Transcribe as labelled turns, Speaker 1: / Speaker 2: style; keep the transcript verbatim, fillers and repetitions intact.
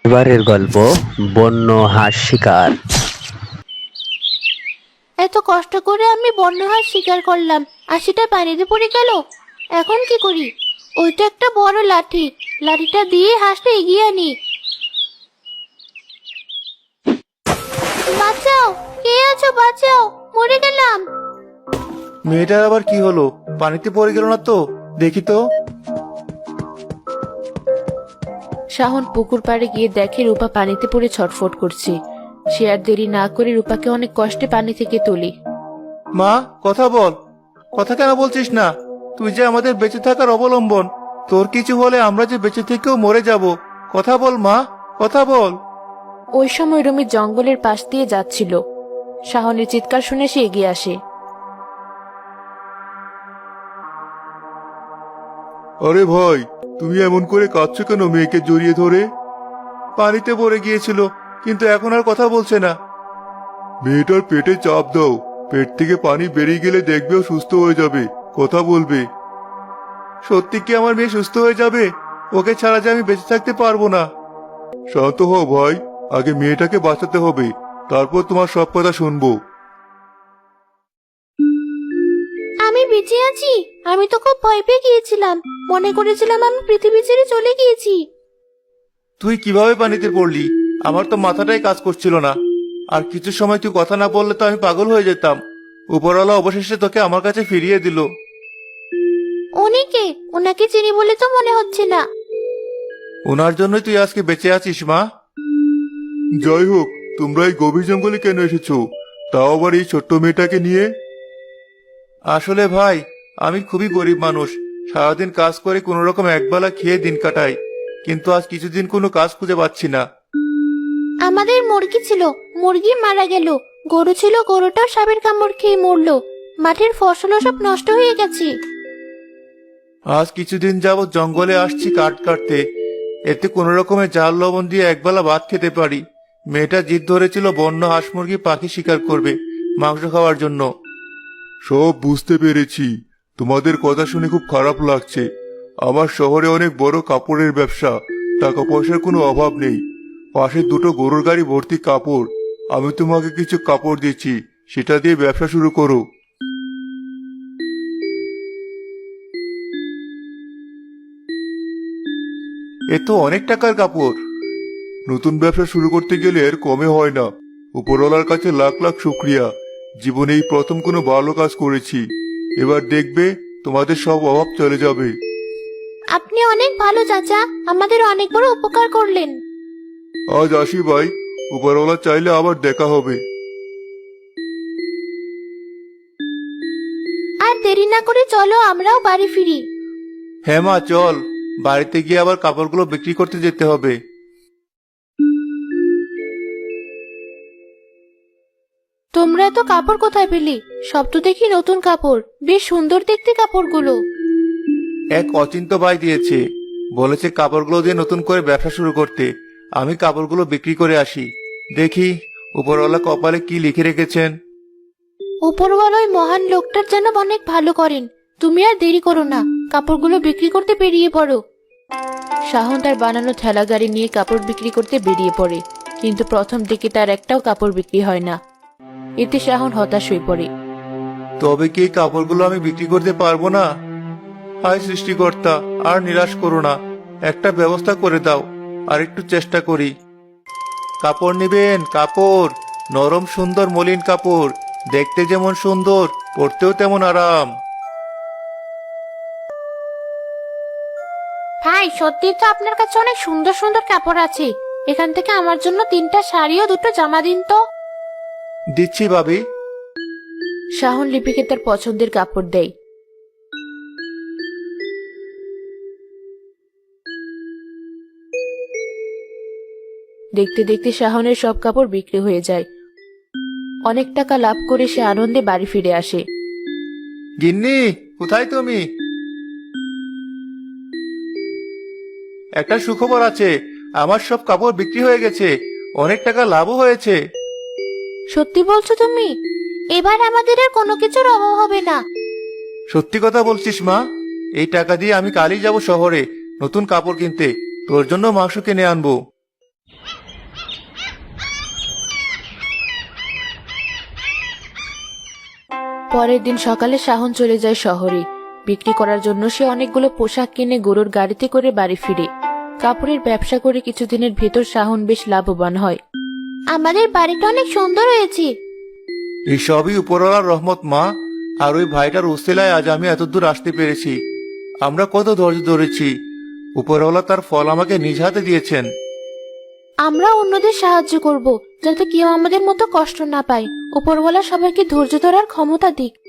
Speaker 1: এবারের গল্প বন্য হাঁস শিকার।
Speaker 2: এত কষ্ট করে আমি বন্য হাঁস শিকার করলাম আর সেটা পানিতে পড়ে গেল। এখন কি করি? ওইটা একটা বড় লাঠি, লাঠিটা দিয়ে হাঁসটা এগিয়ে আনি। বাঁচাও, কে আছো? বাঁচাও, মরে গেলাম।
Speaker 3: মেয়েটার আবার কি হলো? পানিতে পড়ে গেল না তো? দেখি তো।
Speaker 2: শাহন পুকুর পাড়ে গিয়ে দেখে রূপা পানিতে পড়ে ছটফট করছে। সে আর দেরি না করে রূপাকে অনেক কষ্টে পানি থেকে তোলে।
Speaker 3: মা, কথা বল। কথা কেন বলছিস না? তুই যে আমাদের বেঁচে থাকার অবলম্বন। তোর কিছু হলে আমরা যে বেঁচে থেকেও মরে যাব। কথা বল মা, কথা বল।
Speaker 2: ওই সময় রুমি জঙ্গলের পাশ দিয়ে যাচ্ছিল। শাহনের চিৎকার শুনে সে এগিয়ে আসে।
Speaker 3: আরে ভাই, তুমি এমন করে কাঁদছো কেন মেয়েকে জড়িয়ে ধরে? পানিতে পড়ে গিয়েছিল, কিন্তু এখন আর কথা বলছে না। মেয়েটার পেটে চাপ দাও, পেট থেকে পানি বেরিয়ে গেলে দেখবে ও সুস্থ হয়ে যাবে, কথা বলবে। সত্যি কি আমার মেয়ে সুস্থ হয়ে যাবে? ওকে ছাড়া যে আমি বেঁচে থাকতে পারবো না। শান্ত হও ভাই, আগে মেয়েটাকে বাঁচাতে হবে, তারপর তোমার সব কথা শুনবো।
Speaker 2: আমি বেঁচে আছি? আমি তো খুব ভয় পেয়ে গিয়েছিলাম, মনে করেছিলাম আমি পৃথিবী ছেড়ে চলে গিয়েছি।
Speaker 3: তুই কিভাবে পানিতে পড়লি? আমার তো মাথাটাই কাজ করছিল না। আর কিছু সময় তুই কথা না বললে তো আমি পাগল হয়ে যেতাম। উপরওয়ালা অবশেষে তোকে আমার কাছে ফিরিয়ে দিল।
Speaker 2: উনি কে? ওনাকে চিনি বলে তো মনে হচ্ছে না।
Speaker 3: ওনার জন্যই তুই আজকে বেঁচে আছিস মা। যাই হোক, তোমরা এই গভীর জঙ্গলে কেন এসেছো, তাও আবার এই ছোট্ট মেয়েটাকে নিয়ে? আসলে ভাই, আমি খুবই গরিব মানুষ। সারাদিন কাজ করে কোনো রকম একবেলা খেয়ে দিন কাটাই, কিন্তু আজ কিছুদিন কোনো কাজ খুঁজে পাচ্ছি না।
Speaker 2: আমাদের মুরগি ছিল, মুরগি মারা গেল। গরু ছিল, গরুটাও সাপের কামড় খেয়ে মরলো। মাঠের ফসলও সব নষ্ট হয়ে গেছে।
Speaker 3: আজ কিছুদিন যাবৎ জঙ্গলে আসছি কাঠ কাটতে, এতে কোনো রকমের জাল লবণ দিয়ে একবেলা ভাত খেতে পারি। মেয়েটা জিদ ধরেছিল বন্য হাঁস মুরগি পাখি শিকার করবে মাংস খাওয়ার জন্য। সব বুঝতে পেরেছি, তোমাদের কথা শুনে খুব খারাপ লাগছে। আমার শহরে অনেক বড় কাপড়ের ব্যবসা, টাকা পয়সার কোনো অভাব নেই। পাশে দুটো গরুর গাড়ি ভর্তি কাপড়। আমি তোমাকে কিছু কাপড় দিচ্ছি, সেটা দিয়ে ব্যবসা শুরু করো। এ তো অনেক টাকার কাপড়। নতুন ব্যবসা শুরু করতে গেলে এর কমে হয় না। উপরওয়ালার কাছে লাখ লাখ শুক্রিয়া। জীবনে এই প্রথম কোনো ভালো কাজ করেছি। এবার দেখবে তোমাদের সব অভাব চলে যাবে।
Speaker 2: আপনি অনেক ভালো চাচা, আমাদের অনেক বড় উপকার করলেন।
Speaker 3: আজ আসি ভাই, উপরওয়ালা চাইলে আবার দেখা হবে।
Speaker 2: আর দেরি না করে চলো আমরাও বাড়ি ফিরি।
Speaker 3: হ্যাঁ মা, চল। বাড়িতে গিয়ে আবার কাপড়গুলো বিক্রি করতে যেতে হবে।
Speaker 2: তোমরা এত কাপড় কোথায় পেলে? সব তো দেখি নতুন কাপড়, বেশ সুন্দর দেখতে কাপড়গুলো।
Speaker 3: এক অচিন্ত ভাই দিয়েছে, বলেছে কাপড়গুলো দিয়ে নতুন করে ব্যবসা শুরু করতে। আমি কাপড়গুলো বিক্রি করে আসি। দেখি উপরওয়ালা কপালে কি লিখে রেখেছেন।
Speaker 2: উপরওয়ালা ওই মহান লোকটার যেন অনেক ভালো করেন। তুমি আর দেরি করো না, কাপড়গুলো বিক্রি করতে বেরিয়ে পড়ো। শাহন তার বানানো ঠেলা গাড়ি নিয়ে কাপড় বিক্রি করতে বেরিয়ে পড়ে, কিন্তু প্রথম দিকে তার একটাও কাপড় বিক্রি হয় না। এতে শাহন হতাশ হয়ে পড়ে।
Speaker 3: তবে কি এই কাপড়গুলো আমি বিক্রি করতে পারবো না? হায় সৃষ্টিকর্তা, আর নিরাশ করো না, একটা ব্যবস্থা করে দাও। আর একটু চেষ্টা করি। কাপড় নিবেন? কাপড়, নরম সুন্দর মলিন কাপড়, দেখতে যেমন সুন্দর পরতেও তেমন আরাম।
Speaker 2: ভাই, সত্যি তো আপনার কাছে অনেক সুন্দর সুন্দর কাপড় আছে। এখান থেকে আমার জন্য তিনটা শাড়ি ও দুটো জামা দিন তো।
Speaker 3: দিচ্ছি ভাবি।
Speaker 2: শাহন লিপিকে তার পছন্দের কাপড় দেয়। দেখতে দেখতে শাহনের সব কাপড় বিক্রি হয়ে যায়। অনেক টাকা লাভ করে সে আনন্দে বাড়ি ফিরে আসে।
Speaker 3: গিন্নি, কোথায় তুমি? একটা সুখবর আছে, আমার সব কাপড় বিক্রি হয়ে গেছে, অনেক টাকা লাভও হয়েছে।
Speaker 2: সত্যি বলছো তুমি? এবার আমাদের আর কোনো কিছুর অভাব হবে না।
Speaker 3: সত্যি কথা বলছিস মা? এই টাকা দিয়ে আমি কালই যাব শহরে নতুন কাপড় কিনতে, তোর জন্য মাংস কিনে আনবো।
Speaker 2: পরের দিন সকালে শাহন চলে যায় শহরে। বিক্রি করার জন্য সে অনেকগুলো পোশাক কিনে গরুর গাড়িতে করে বাড়ি ফিরে। কাপড়ের ব্যবসা করে কিছুদিনের ভেতর শাহন বেশ লাভবান হয়। আমাদের বাড়িটা অনেক সুন্দর হয়েছে।
Speaker 3: এই সবই উপরওয়ালার রহমত মা। আর ওই ভাইটার উসিলায় আজ আমি এতদূর আসতে পেরেছি। আমরা কত ধৈর্য ধরেছি, উপরওয়ালা তার ফল আমাকে নিজ হাতে দিয়েছেন।
Speaker 2: আমরা অন্যদের সাহায্য করব, যাতে কেউ আমাদের মতো কষ্ট না পায়। উপরওয়ালা সবাইকে ধৈর্য ধরার ক্ষমতা দিক।